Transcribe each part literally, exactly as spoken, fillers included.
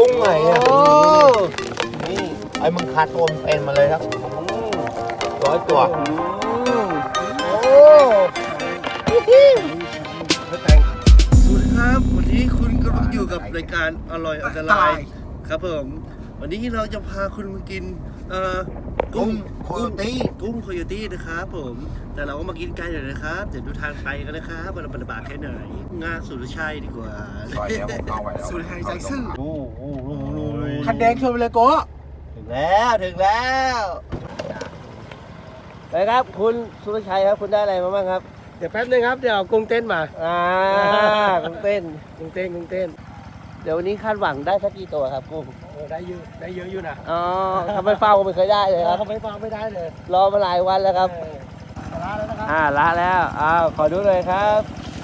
กุ้งไหนอ่ะนี่ไอ้มึงคาตัวมันเป็นมาเลยครับร้อยตัวโอ้สวัสดีครับวันนี้คุณกำลังอยู่กับรายการอร่อยอันตรายครับผมวันนี้เราจะพาคุณมากินเอ่อกุ้งโคโยตี้กุ้งโคโยตี้นะครับผมแต่เราก็มากินไกลหน่อยนะครับเดี๋ยวดูทางไปกันนะครับว่าเราเป็นบาทแค่ไหนงานสุรชัยดีกว่าสุรชัยใจซื่อโอ้โหคันแดงชนไปเลยโก้ถึงแล้วถึงแล้วไปครับคุณสุรชัยครับคุณได้อะไรมาบ้างครับเดี๋ยวแป๊บนึงครับเดี๋ยวเอากุ้งเต้นมาอ่ากุ้งเต้นกุ้งเต้นกุ้งเต้นเดี๋ยววันนี้คาดหวังได้สักกี่ตัวครับกุ้งได้เยอะได้เยอะอยู่นะอ๋อทำไมเฝ้าไม่เคยได้เลยครับทำไมเฝ้าไม่ได้เลยรอมาหลายวันแล้วครับละแล้วนะครับอ่าละแล้วอ้าวขอดูเลยครับ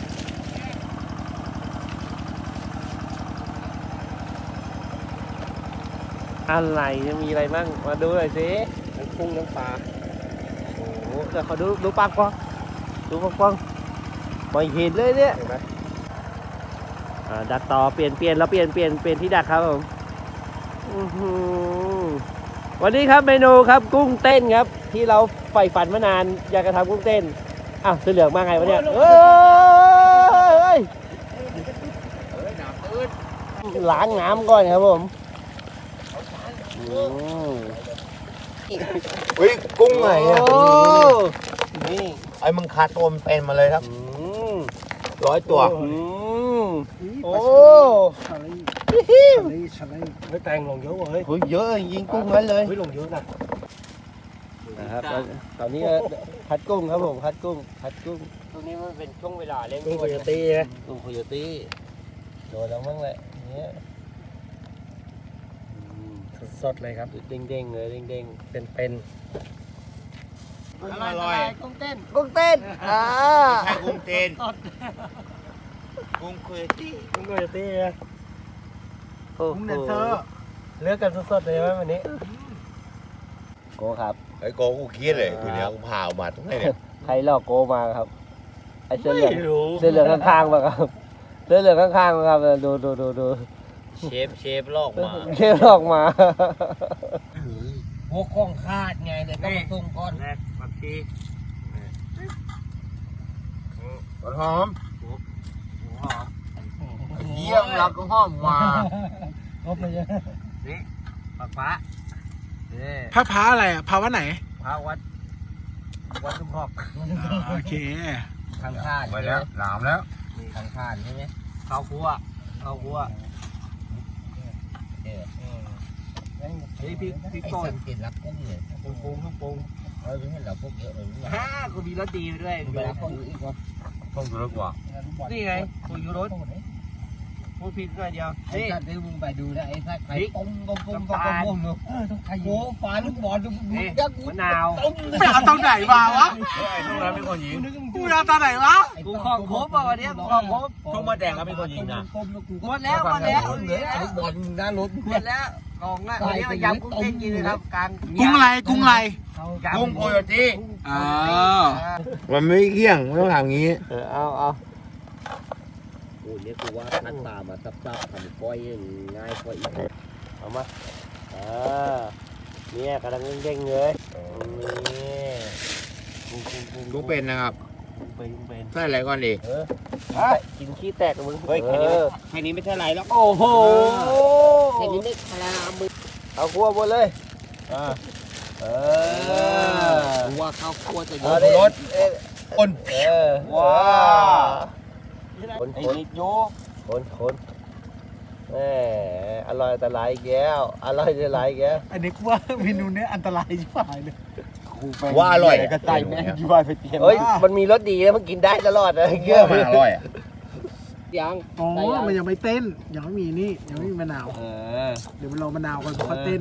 อะไรจะมีอะไรบ้างมาดูหน่อยสิทั้งกุ้งทั้งปลาโอ้โหเดี๋ยวขอดูดูปากกว้างดูปากกว้างไม่เห็นเลยเนี่ยอ่าดักต่อเปลี่ยนเปลี่ยนแล้วเปลี่ยนเปลี่ยนเปลี่ยนที่ดักครับผมวันนี้ครับเมนูครับกุ้งเต้นครับที่เราใฝ่ฝันมานานอยากจะทำกุ้งเต้นอ้าวเสื้อเหลืองมาไงวะเนี่ยเฮ้ยล้างน้ำก่อนครับผมอุ้ยกุ้งไหนอ่ะนี่ไอ้มึงคาตัวมันเป็นมาเลยครับร้อยตัวโอ้ไม่แต่งลงเยอะเลยเฮ้ยเยอะยิงกุ้งนั้นเลยเฮ้ยลงเยอะนะนะครับตอนนี้พัดกุ้งครับผมพัดกุ้งพัดกุ้งตรงนี้มันเป็นช่วงเวลาเล่นกุ้งโคโยตี้นะกุ้งโคโยตี้โดนแล้วมั้งแหละเนี่ยสดเลยครับเด้งๆเลยเด้งๆเป็นๆอร่อยกุ้งเต้นกุ้งเต้นอ่าใช่กุ้งเต้นกุ้งโคโยตี้กุ้งโคโยตี้นะกุ้งเดนเซอร์เลือกกันสดๆเลยไหมวันนี้โกครับไอ้โกกูเครียดเลยคุณเนี่ยกูพาออกมาตรงไหนเนี่ยใครหลอกโกมาครับไอ้เสื้อเหลืองเสื้อเหลืองข้างๆมาครับเสื้อเหลืองข้างๆมาครับดูดูดูดูเชฟเชฟลอกมาเชฟลอกมาพวกของคาดไงเดี๋ยวต้องส่งก้อนแรกผักชีหัวหอมหัวหอมเยี่ยมรักก็หอมมาครบเลยนี่ผักฟ้าพระพระอะไรอ่ะพระวัดไหนพระวัดวัดทุ่งคอกโอเคทางคาดไปแล้วหลามแล้วมีทางคาดใช่ไหมข้าวคั่วข้าวคั่วเฮ้ยพี่พี่ก่อนกินรับกุ้งเลยปรุงปรุงปรุงเออเห็นเราพวกเยอะเลยฮ่ากูมีรสดีด้วยไปรับกุ้งอีกวะกุ้งเยอะกว่านี่ไงกุ้งยูรสพูดผิดด้วยเดียวนี่ถ้าดูมึงไปดูนะไอ้ถ้าใครปุ้งปุ้งปุ้งปุ้งปุ้งเออต้องใครโอ้ปลาลูกบอลลูกยักษ์มะนาวไปเอาตอนไหนมาวะช่วงนั้นเป็นคนยิงกูเอาตอนไหนวะกูของครบป่ะวันนี้กูของครบช่วงมาแดงก็เป็นคนยิงนะหมดแล้วหมดแล้วลูกบอลหน้ารถหมดแล้วกองละวันนี้มายำกุ้งเต้นกินเลยครับกลางกุ้งอะไรกุ้งอะไรกุ้งโคโยตี้อ๋อมันไม่เกี่ยงไม่ต้องทำงี้เออเอาเอาโอ้ยเนี่ยกูว่าทัดตามาซับซับทำก้อยง่ายกว่าอีกเอามาอ่าเนี่ยกำลังเด้งเลยนี่กุ้งเป็นนะครับเป็นเป็นใส่อะไรก่อนดิเออกินขี้แตกมึงเฮ้ยแค่นี้แค่นี้ไม่ใช่ไรแล้วโอ้โหแค่นี้ไม่คลามือเอาคั่วบนเลยอ่าเออว่าข้าวคั่วจะเยอะรสคนเออว้าคนคนโยคนคนแหมอร่อยแต่หลายแก้วอร่อยแต่หลายแก้วอันนี้กูว่าเมนูนี้อันตรายชิบหายเลยว่าอร่อยกระต่ายแม่ยูบายไปเตรียมเฮ้ยมันมีรสดีแล้วมันกินได้ตลอดเลยเกี้ยวอร่อยอ่ะยังอ๋อมันยังไม่เต้นยังไม่มีนี่ยังไม่มีมะนาวเดี๋ยวมันรอมะนาวก่อนพอเต้น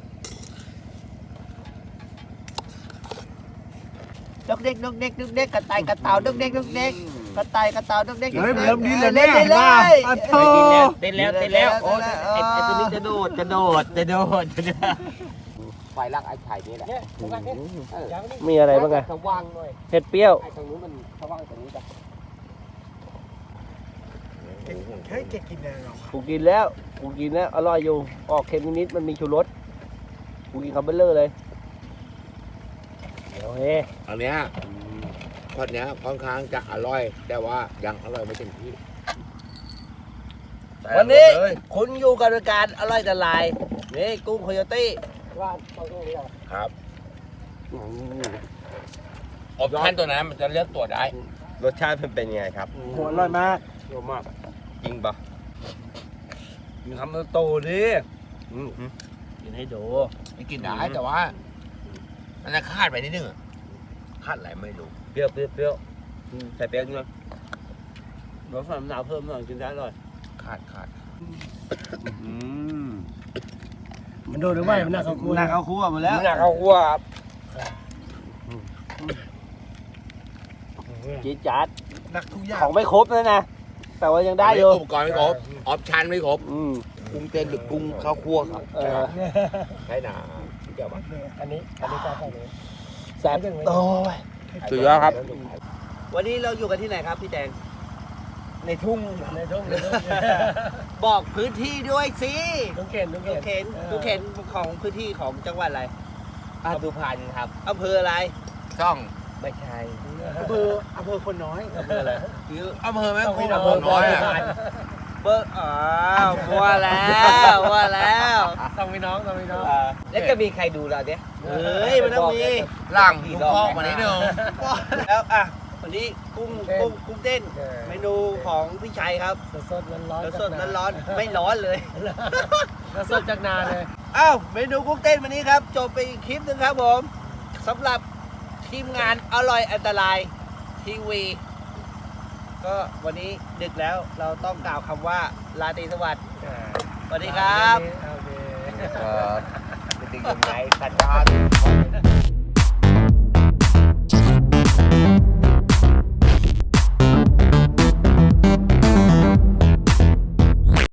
ดกเด็กดกเด็กดกเด็กกระต่ายกระเต่าดกเด็กดกเด็กกระต่ายกระเต่าดกเด็กเฮ้ยเริ่มดิ้นเลยเล่นเลยเต้นแล้วเต้นแล้วโอ้ยไอ้ตัวนี้จะโดดจะโดดจะโดดจะโดดไฟลักไอ้ไข่นี่แหละมีอะไรบ้างไงเห็ดเปรี้ยวไอ้ตรงนู้นมันสว่างตรงนี้จ้ะเก่งเฮ้ยเก่งกินอะไรหรอกูกินแล้วกูกินแล้วอร่อยอยู่ออกเค็มนิดๆมันมีชูรสกูกินคำเบลเลอร์เลยโอเคอันเนี้ยทอดเนี้ยค่อนข้างจะอร่อย แต่ว่ายังอร่อยไม่เต็มที่วันนี้คุณอยู่กับรายการอร่อยแต่ลายนี่กุ้งโคโยตี้ว่าเขาต้องเรียกครับออปชั่นตัวนั้นมันจะเลือกตัวได้รสชาติมันเป็นยังไงครับหัวอร่อยมากเยอะมากจริงปะมีคำโตดิกินให้ดูไม่กินได้แต่ว่า มันจะคาดไปนิดนึงอะคาดอะไรไม่รู้เปรี้ยวเปรี้ยวเปรี้ยวใส่เปรี้ยวด้วยรสฝรั่งมะนาวเพิ่มหน่อยกินได้เลยคาดคาดมันโดนหรือไม่มันน่าเขาคุยหนักเอาคั่วมาแล้วหนักเอาคั่วครับจี๊ดจ๊าดหนักทุกอย่างของไม่ครบนะนะ แต่ว่ายังได้อยู่อุปกรณ์ไม่ครบออปชั่นไม่ครบอืมกุ้งเต้นหรือกุ้งข้าวคั่วครับเออใช่หนาเกี่ยวปะอันนี้อันนี้ก็ฝั่งนี้แซ่บโอ้ยสุดยอดครับวันนี้เราอยู่กันที่ไหนครับพี่แดงในทุ่งในทุ่งในทุ่งบอกพื้นที่ด้วยสิทุ่งเข็นทุ่งทุกเข็นเข็นทุกเข็นของพื้นที่ของจังหวัดอะไรอาสุพรรณครับอำเภออะไรช่องไม่ใช่อำเภออำเภอคนน้อยอำเภออะไรอำเภอแม่ต้องคุมีณอำอำเภเภออน้อยอะเบอร์อ๋อว่าแล้วว่าแล้วสองพี่น้องสองพี่น้องแล้วจะมีใครดูเราเนี่ยเฮ้ยมันต้องมีหลังลูกพ่อมานิดนึงแล้วอ่ะวันนี้กุ้งกุ้งกุ้งเต้น เมนูของพี่ชัยครับสดๆร้อนๆสดๆร้อนๆไม่ร้อนเลยสดจากนาเลยอ้าวเมนูกุ้งเต้นวันนี้ครับ จบไปอีกคลิปหนึ่งครับผมสำหรับทีมงานอร่อยอันตรายทีวี ก็วันนี้ดึกแล้วเราต้องกล่าวคำว่าลาตรีสวัสดิ์สวัสดีครับโอเคเออเป็นยังไงสัญญาณ